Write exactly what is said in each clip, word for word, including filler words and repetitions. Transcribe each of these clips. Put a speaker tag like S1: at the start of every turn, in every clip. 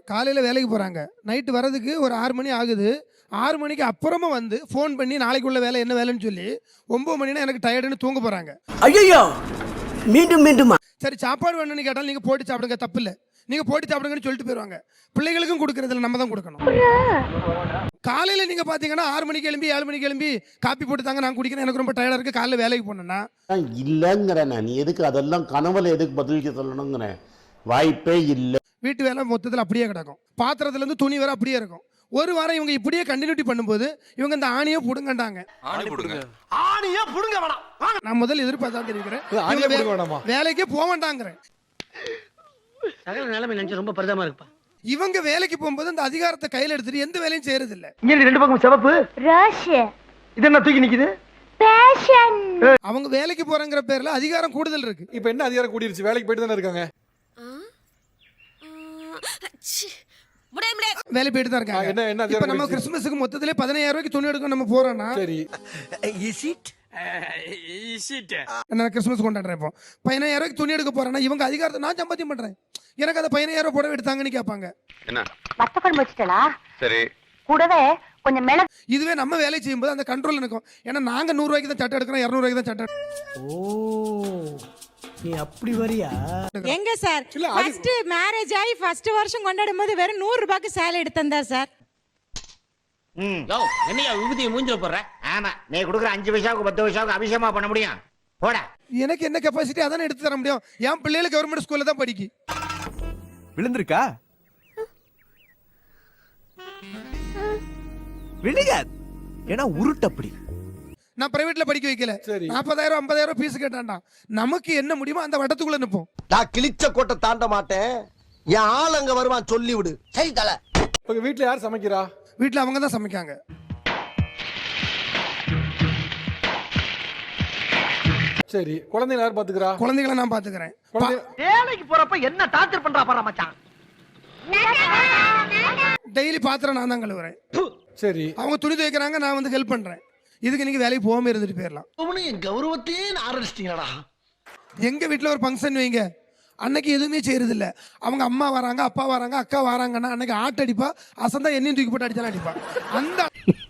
S1: காலையில் வேலைக்கு போகிறாங்க, நைட்டு வரதுக்கு ஒரு ஆறு மணி ஆகுது. ஆறு மணிக்கு அப்புறமா வந்து ஃபோன் பண்ணி நாளைக்குள்ள வேலை என்ன வேலைன்னு சொல்லி ஒம்பது மணினா எனக்கு டயர்டுன்னு தூங்க போகிறாங்க.
S2: ஐயோ மீண்டும் மீண்டுமா?
S1: சரி சாப்பாடு வேணும்னு கேட்டாலும் நீங்கள் போட்டு சாப்பிடுங்க, தப்பு இல்லை, நீங்கள் போட்டு சாப்பிடுங்கன்னு சொல்லிட்டு போயிடுவாங்க. பிள்ளைகளுக்கும் கொடுக்குறதுல நம்ம தான் கொடுக்கணும். காலையில் நீங்கள் பார்த்தீங்கன்னா ஆறு மணிக்கு எழும்பி ஏழு மணிக்கு எழும்பி காப்பி போட்டு தாங்க நான் குடிக்கிறேன், எனக்கு ரொம்ப டயர்டாக இருக்குது, காலையில் வேலைக்கு போனேன்னா
S3: இல்லைங்கிறேன். நீ எதுக்கு அதெல்லாம் கனவுல எதுக்கு பதிலுக்கு சொல்லணுங்கிறேன்? வாய்ப்பே இல்லை.
S1: வீட்டு வேலை மொத்தத்தில் அப்படியே கிடக்கும், பாத்திரத்துலேருந்து துணி வர அப்படியே இருக்கும். ஒரு வாரம் இவங்க இப்படியே கண்டினியூட்டி பண்ணும்போது இவங்க இந்த ஆணியை புடுங்கண்டாங்க. நான் முதல் எதிர்பார்த்தா இருக்கிறேன், வேலைக்கே போக வேண்டாங்கிறேன்.
S2: ரொம்ப பரிதமா இருக்குப்பா.
S1: இவங்க வேலைக்கு போகும்போது அந்த அதிகாரத்தை கையில் எடுத்துட்டு எந்த வேலையும் செய்யறது இல்ல.
S4: இங்க ரெண்டு பக்கம் சிவப்பு இது என்ன தூக்கி நிக்குது?
S1: அவங்க வேலைக்கு போறங்கிற பேர்ல அதிகாரம் கூடுதல் இருக்கு.
S5: இப்ப என்ன அதிகாரம் கூடிருச்சு? வேலைக்கு போயிட்டு தானே இருக்காங்க.
S1: வேலை போயிட்டு தான் இருக்காங்க. இப்ப நம்ம கிறிஸ்துமஸுக்கு மொத்தத்திலே பதினாயிரம் ரூபாய்க்கு துணி எடுக்க நம்ம போறோம்னா
S5: சரி,
S1: நான் கிறிஸ்துமஸ் கொண்டாடுறேன். இப்போ பதினாயிரம் ரூபாய்க்கு துணி எடுக்க போறேன்னா இவங்க அதிகாரத்தை நான் சம்பாத்தியம் பண்றேன், எனக்கு அதை பதினாயிரம் ரூபாய் புடவை எடுத்தாங்கன்னு கேட்பாங்க.
S6: என்ன
S7: வத்த குழம்பு வச்சுட்டா?
S6: சரி,
S7: கூடவே கொஞ்சம் மிளகு.
S1: இதுவே நம்ம வேலை செய்யும்போது அந்த கண்ட்ரோல் இருக்கும். ஏன்னா நாங்க நூறு ரூபாய்க்கு தான் சட்டை எடுக்கிறோம், இருநூறு ரூபாய்க்கு தான் சட்டை.
S2: ஓ நீ அப்படி வரியா?
S8: எங்க சார் ஃபர்ஸ்ட் மேரேஜ் ஆகி ஃபர்ஸ்ட் வருஷம் கொண்டாடும் போது வெறும் நூறு ரூபாய்க்கு சேலை எடுத்தந்தா சார்.
S2: ம் யோ என்னையா விபூதியை மூஞ்சில போடுற? ஆமா நீ கொடுக்குற அஞ்சு பைசாவுக்கு பத்து பைசாவுக்கு அபிஷேகமா பண்ண முடியும்? போடா.
S1: எனக்கு என்ன கெப்பாசிட்டி அதானே எடுத்து தர முடியும். என் பிள்ளைகள் கவர்மெண்ட் ஸ்கூல்ல தான் படிக்கி.
S4: விழுந்திருக்கா? விழுகாது, ஏன்னா உருட்டு அப்படி.
S1: நான் பிரைவேட்ல படிக்க வைக்கல, நாற்பதாயிரம் ஐம்பதாயிரம் ஃபீஸ் கேட்டான்டா. நமக்கு என்ன முடியுமோ அந்த வட்டத்துக்குள்ள நிப்போம்.
S9: நான் கிழிச்ச கோட்டை தாண்ட மாட்டேன், என் ஆள் அங்க வருவான் சொல்லி விடு. சரி தல.
S5: இப்ப வீட்ல யார் சமைக்கிறா?
S1: வீட்ல அவங்க தான் சமைக்காங்க.
S5: சரி, குழந்தைகளை யார் பாத்துக்கிறா?
S1: குழந்தைகளை நான் பாத்துக்கிறேன்.
S4: வேலைக்கு போறப்ப என்ன டார்ச்சர் பண்றா பாரு மச்சான்.
S1: டெய்லி பாத்திரம் நான் தான் கழுவுறேன்.
S5: சரி,
S1: அவங்க துணி துவைக்கிறாங்க, நான் வந்து ஹெல்ப் பண்றேன். இதுக்கு நீங்க வேலைக்கு போகாம இருந்துட்டு போயிடலாம்.
S9: என் கௌரவத்தையே ஆரம்பிச்சிட்டீங்களா?
S1: எங்க வீட்டுல ஒரு ஃபங்க்ஷன் வைங்க, அன்னைக்கு எதுவுமே செய்யறது இல்ல. அவங்க அம்மா வராங்க, அப்பா வராங்க, அக்கா வராங்கன்னா அன்னைக்கு ஆட்டு அடிப்பா, அசந்தா எண்ணெயும் தூக்கி போட்டு அடிச்சாலும் அடிப்பா. அந்த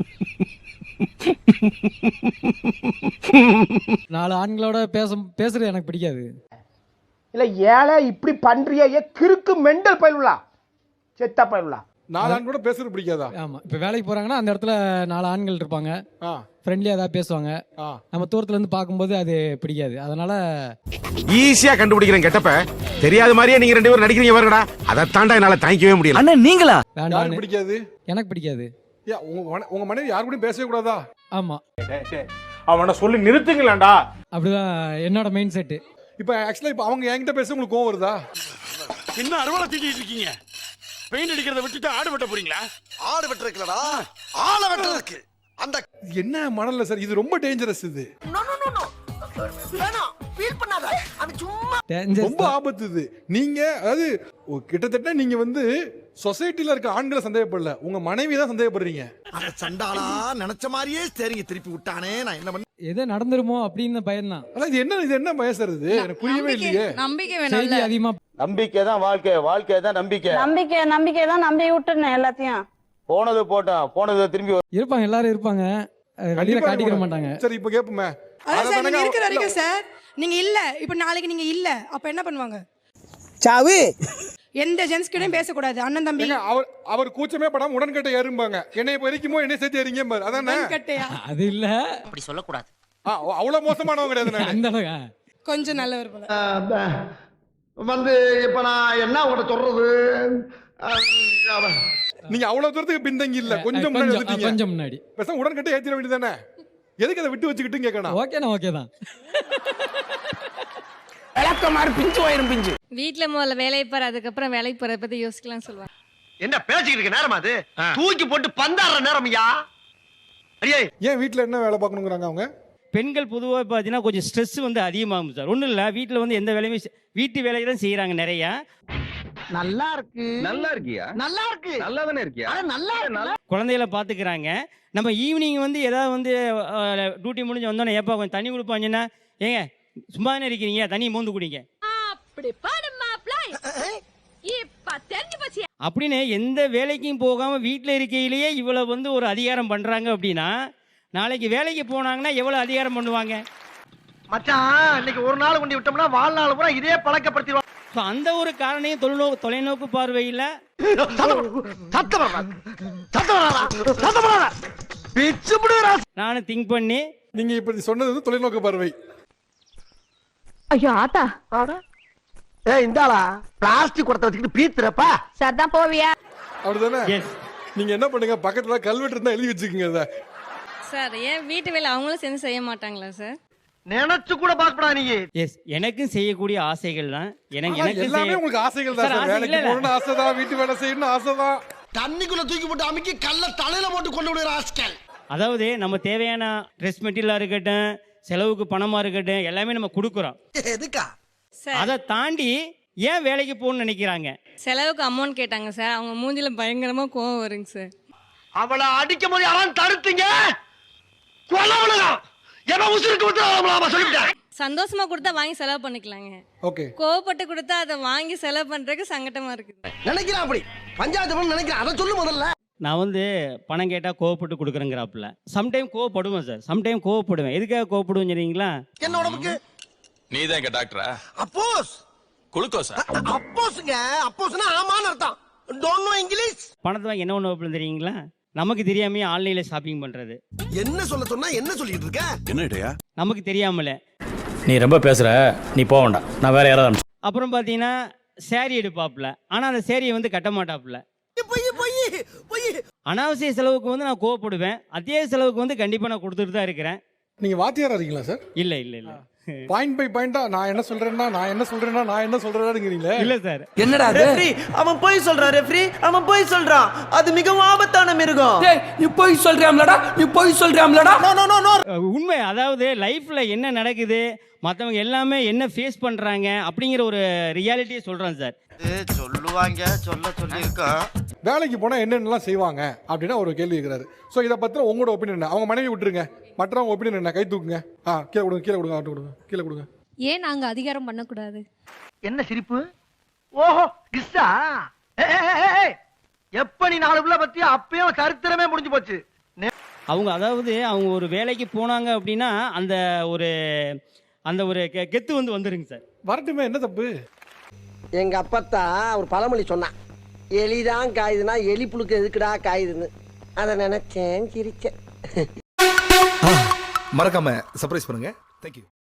S10: நாலு ஆண்களோட பேச பேசுறது எனக்கு பிடிக்காது.
S4: இல்ல ஏழை இப்படி பண்றியா? ஏ கிறுக்கு மெண்டல் பயிலுலா, செத்த பயிலுலா.
S5: நாலு ஆண் கூட பேசுறது பிடிக்காதா?
S10: ஆமா, இப்ப வேலைக்கு போறாங்கன்னா அந்த இடத்துல நாலு ஆண்கள் இருப்பாங்க, ஃப்ரெண்ட்லியா ஏதாவது பேசுவாங்க. நம்ம தூரத்துல இருந்து பார்க்கும்போது அது பிடிக்காது. அதனால
S6: ஈஸியா கண்டுபிடிக்கிறேன் கெட்டப்ப. தெரியாத மாதிரியே நீங்க ரெண்டு பேரும் நடிக்கிறீங்க பாருங்கடா, அதை தாண்டா என்னால தாங்கிக்கவே முடியல.
S4: அண்ணா நீங்களா?
S5: யாருக்கு பிடிக்காது?
S10: எனக்கு பிடிக்காது.
S5: உங்க மனைவி யாரு கூட பேசவே கூடாதா?
S10: ஆமா,
S5: அவனை சொல்லி நிறுத்துங்களேன்டா.
S10: அப்படிதான் என்னோட மெயின் செட்.
S5: இப்ப ஆக்சுவலா இப்ப அவங்க என்கிட்ட பேச உங்களுக்கு கோவம் வருதா?
S6: என்ன அறுவலை தூக்கிட்டு இருக்கீங்க? பெயிண்ட் அடிக்கிறத விட்டுட்டு ஆடு வெட்ட போறீங்களா?
S9: ஆடு வெட்டுறதுலடா, ஆளை வெட்டுறதுக்கு. அந்த
S5: என்ன மணல்ல சார், இது ரொம்ப டேஞ்சரஸ். இது ரொம்ப ஆபத்து. இது நீங்க அதாவது கிட்டத்தட்ட நீங்க வந்து சொசைட்டில இருக்க ஆண்களை சந்தேகப்படல, உங்க மனைவி தான் சந்தேகப்படுறீங்க.
S9: அந்த சண்டாளா நினைச்ச மாதிரியே சரிங்க திருப்பி விட்டானே, நான் என்ன பண்ண?
S10: எது நடந்துருமோ அப்படின்னு பயம் தான்.
S5: அதான் இது என்ன இது என்ன பயசறது? எனக்கு புரியவே இல்லையே.
S8: நம்பிக்கை வேணும்
S10: அதிகமா.
S3: நம்பிக்கை தான் வாழ்க்கை, வாழ்க்கை தான் நம்பிக்கை.
S7: நம்பிக்கை நம்பிக்கை தான் நம்பி விட்டுறேன் எல்லாத்தையும்.
S3: போனது போட்டோம், போனது திரும்பி
S10: இருப்பாங்க, எல்லாரும் இருப்பாங்க, வெளியில காட்டிக்கிற மாட்டாங்க.
S5: சரி, இப்ப கேப்போமே.
S8: அதான் நீங்க இருக்கிற வரைக்கும் சார், நீங்க இல்ல, இப்ப நாளைக்கு நீங்க இல்ல, அப்ப என்ன பண்ணுவாங்க?
S2: சாவு.
S8: எந்த ஜென்ஸ் கிட்டயும் பேசக்கூடாது. அண்ணன் தம்பி
S5: அவர் அவர் கூச்சமே படாம உடன்கட்டை ஏறும்பாங்க. என்னைய பொறிக்குமோ என்னைய சேர்த்து ஏறிங்க பாரு. அதானே
S8: கட்டையா?
S10: அது இல்ல,
S2: அப்படி சொல்ல கூடாது.
S5: அவ்வளவு மோசமானவங்க கிடையாது நான்.
S10: அந்த அளவுக்கு
S8: கொஞ்சம் நல்லவர் போல.
S9: வந்து இப்ப நான் என்ன உங்கள்ட்ட சொல்றது?
S5: நீங்க அவ்வளவு தூரத்துக்கு பின்தங்கி இல்ல, கொஞ்சம் முன்னாடி வந்துட்டீங்க.
S10: கொஞ்சம் முன்னாடி
S5: பேசாம உடன்கட்டை ஏத்திர வேண்டியதானே? எதுக்கு அதை விட்டு வச்சுக்கிட்டு கேட்கணும்?
S10: ஓகேனா ஓகே தான்.
S2: விளக்கமாறு பிஞ்சு போயிரும் பிஞ்சு.
S8: வீட்ல முதல்ல வேலையை பாரு, அதுக்கப்புறம் வேலைக்கு போறத பத்தி யோசிக்கலாம் சொல்லுவாங்க.
S9: என்ன பேசிக்கிட்டு இருக்க நேரமா அது? தூக்கி போட்டு பந்தாடுற நேரம்யா. அடியே
S5: ஏன் வீட்டுல என்ன வேலை பார்க்கணுங்கிறாங்க அவங்க?
S11: பெண்கள் பொதுவாக பார்த்தீங்கன்னா கொஞ்சம் ஸ்ட்ரெஸ் வந்து அதிகமாகும் சார். ஒன்றும் இல்லை, வீட்டில் வந்து எந்த வேலையுமே வீட்டு வேலையை தான் செய்கிறாங்க நிறையா.
S4: நல்லா இருக்கு.
S9: நல்லா இருக்கியா?
S4: நல்லா இருக்கு.
S9: நல்லா தானே இருக்கியா?
S4: நல்லா இருக்கு.
S11: குழந்தைகளை பார்த்துக்கிறாங்க. நம்ம ஈவினிங் வந்து ஏதாவது வந்து டியூட்டி முடிஞ்சு வந்தோன்னே ஏப்பா கொஞ்சம் தண்ணி கொடுப்பாங்கன்னா, ஏங்க சும்மா தானே இருக்கிறீங்க, தண்ணி மோந்து குடிங்க. அப்படின்னு எந்த வேலைக்கும் போகாமல் வீட்டில் இருக்கையிலேயே இவ்வளோ வந்து ஒரு அதிகாரம் பண்ணுறாங்க அப்படின்னா நாளைக்கு வேலைக்கு போனாங்கன்னா எவ்வளோ அதிகாரம் பண்ணுவாங்க?
S9: மச்சான் இன்னைக்கு ஒரு நாள் கொண்டு விட்டோம்னா வாழ்நாள் பூரா இதே பழக்கப்படுத்திடுவாங்க.
S11: ஸோ அந்த ஒரு காரணையும் தொலைநோக்கு தொலைநோக்கு பார்வையில் நானும் திங்க் பண்ணி
S5: நீங்க இப்ப சொன்னது வந்து தொலைநோக்கு பார்வை.
S7: ஐயோ ஆத்தா
S9: ஏ இந்தாளா பிளாஸ்டிக் குடத்தை வச்சுக்கிட்டு பீத்துறப்பா.
S7: சரிதான் போவியா?
S5: அப்படிதானே?
S11: எஸ்
S5: நீங்க என்ன பண்ணுங்க, பக்கத்துல கல்வெட்டு இருந்தா எழுதி வச்சுக்கோங்க அதை.
S8: சார் ஏன் வீட்டு வேலை அவங்களும் சேர்ந்து செய்ய மாட்டாங்களா சார்?
S9: நினைச்சு கூட பாக்கப்படா நீ.
S11: எஸ் எனக்கும் செய்யக்கூடிய ஆசைகள் தான். எனக்கு
S5: ஆனா
S11: எனக்கு
S5: எல்லாமே உங்களுக்கு ஆசைகள் தான்
S11: சார்,
S5: சார்.
S11: ஆசை
S5: வேலைக்கு
S11: இல்ல.
S5: போகணும்னு ஆசைதான், வீட்டு வேலை செய்யணும்னு ஆசைதான்.
S9: தண்ணிக்குள்ள தூக்கி போட்டு அமுக்கி கல்ல தலையில போட்டு கொண்டு விடுற ஆஸ்கல்.
S11: அதாவது நம்ம தேவையான ட்ரெஸ் மெட்டீரியலாக இருக்கட்டும், செலவுக்கு பணமாக இருக்கட்டும், எல்லாமே நம்ம கொடுக்குறோம்.
S9: எதுக்கா?
S11: அதை தாண்டி ஏன் வேலைக்கு போகணும்னு நினைக்கிறாங்க?
S8: செலவுக்கு அமௌண்ட் கேட்டாங்க சார். அவங்க மூஞ்சில பயங்கரமா கோவம் வருங்க சார்.
S9: அவளை அடிக்கும் போது யாரும் தடுத்தீங்க? கொலவளகம் என்ன உசுருக்கு விட்டுறாமலாமா சொல்லிட்டேன்.
S8: சந்தோஷமா கொடுத்தா வாங்கி செலவு பண்ணிக்கலாங்க.
S5: ஓகே.
S8: கோவப்பட்டு கொடுத்தா அதை வாங்கி செலவு பண்றதுக்கு சங்கடமா இருக்குது.
S9: நினைக்கிறேன் அப்படி பஞ்சாயத்து பண்ண நினைக்கிறேன். அதை சொல்லு முதல்ல.
S11: நான் வந்து பணம் கேட்டால் கோவப்பட்டு கொடுக்குறேங்கிறாப்புல. சம்டைம் கோவப்படுவேன் சார், சம்டைம் கோவப்படுவேன். எதுக்காக கோவப்படுவேன் தெரியுங்களா?
S9: என்ன உடம்புக்கு
S6: நீதான் எங்க டாக்டரா?
S9: அப்போஸ்
S6: குளுக்கோஸா?
S9: அப்போஸ்ங்க. அப்போஸ்னா ஆமான்னு அர்த்தம். Don't know English.
S11: பணத்தை வாங்கி என்ன ஒன்று தெரியுங்களா? நமக்கு தெரியாமையே ஆன்லைனில் ஷாப்பிங் பண்ணுறது.
S9: என்ன சொல்ல சொன்னா என்ன சொல்லிட்டு இருக்க?
S6: என்னடையா?
S11: நமக்கு தெரியாமல.
S10: நீ ரொம்ப பேசுற, நீ போக வேண்டாம், நான் வேற யாராவது.
S11: அப்புறம் பார்த்தீங்கன்னா சேரீ எடுப்பாப்புல, ஆனால் அந்த சேரீயை வந்து கட்ட மாட்டாப்புல.
S9: பொய் பொய் பொய்.
S11: அனாவசிய செலவுக்கு வந்து நான் கோவப்படுவேன், அதே செலவுக்கு வந்து கண்டிப்பாக நான் கொடுத்துட்டு தான் இருக்கிறேன்.
S5: நீங்க வாத்தியாரா இருக்கீங்களா சார்?
S11: இல்லை இல்லை இல்லை
S5: பாயிண்ட் பை பாயிண்டா நான் என்ன சொல்றேன்னா நான் என்ன சொல்றேன்னா நான் என்ன சொல்றேன்னாங்கிறீங்களே.
S11: இல்லை சார்.
S9: என்னடா ரெஃப்ரி அவன் போய் சொல்றான். ரெஃப்ரி அவன் போய் சொல்றான். அது மிகவும் ஆபத்தான மிருகம்.
S10: டேய் நீ போய் சொல்றியாம்லடா, நீ போய் சொல்றியாம்லடா.
S9: No no no no.
S11: உண்மை. அதாவது லைஃப்பில் என்ன நடக்குது, மற்றவங்க எல்லாமே என்ன ஃபேஸ் பண்ணுறாங்க அப்படிங்கிற ஒரு ரியாலிட்டியை சொல்கிறேன் சார்.
S9: சொல்லுவாங்க, சொல்ல சொல்லியிருக்கான்.
S5: வேலைக்கு போனா என்னென்னலாம் செய்வாங்க அப்படின்னா ஒரு கேள்வி இருக்கிறாரு. ஸோ இதை பத்தின உங்களோட ஒப்பீனியன் என்ன? அவங்க மனைவி விட்டுருங்க, மற்றவங்க ஒப்பீனியன் என்ன? கை தூக்குங்க. ஆ கீழே கொடுங்க, கீழே கொடுங்க, அவர்கிட்ட கொடுங்க, கீழே கொடுங்க.
S8: ஏன் நாங்க அதிகாரம் பண்ணக்கூடாது?
S9: என்ன சிரிப்பு? ஓஹோ கிஸ்ஸா. எப்ப நீ நாலு பிள்ளை பத்தி அப்பயும் சரித்திரமே முடிஞ்சு போச்சு.
S11: அவங்க அதாவது அவங்க ஒரு வேலைக்கு போனாங்க அப்படின்னா அந்த ஒரு அந்த ஒரு கெ- கெத்து வந்து வந்துருங்க சார்.
S5: வரட்டுமே, என்ன தப்பு?
S9: எங்க அப்பத்தா ஒரு பழமொழி சொன்னான். எலிதான் காயுதுன்னா எலி புழுக்கு எதுக்குடா காயுதுன்னு. அதை நினைச்சேன், சிரிச்சேன்.
S6: மறக்காம சர்ப்ரைஸ் பண்ணுங்க. தேங்க்யூ.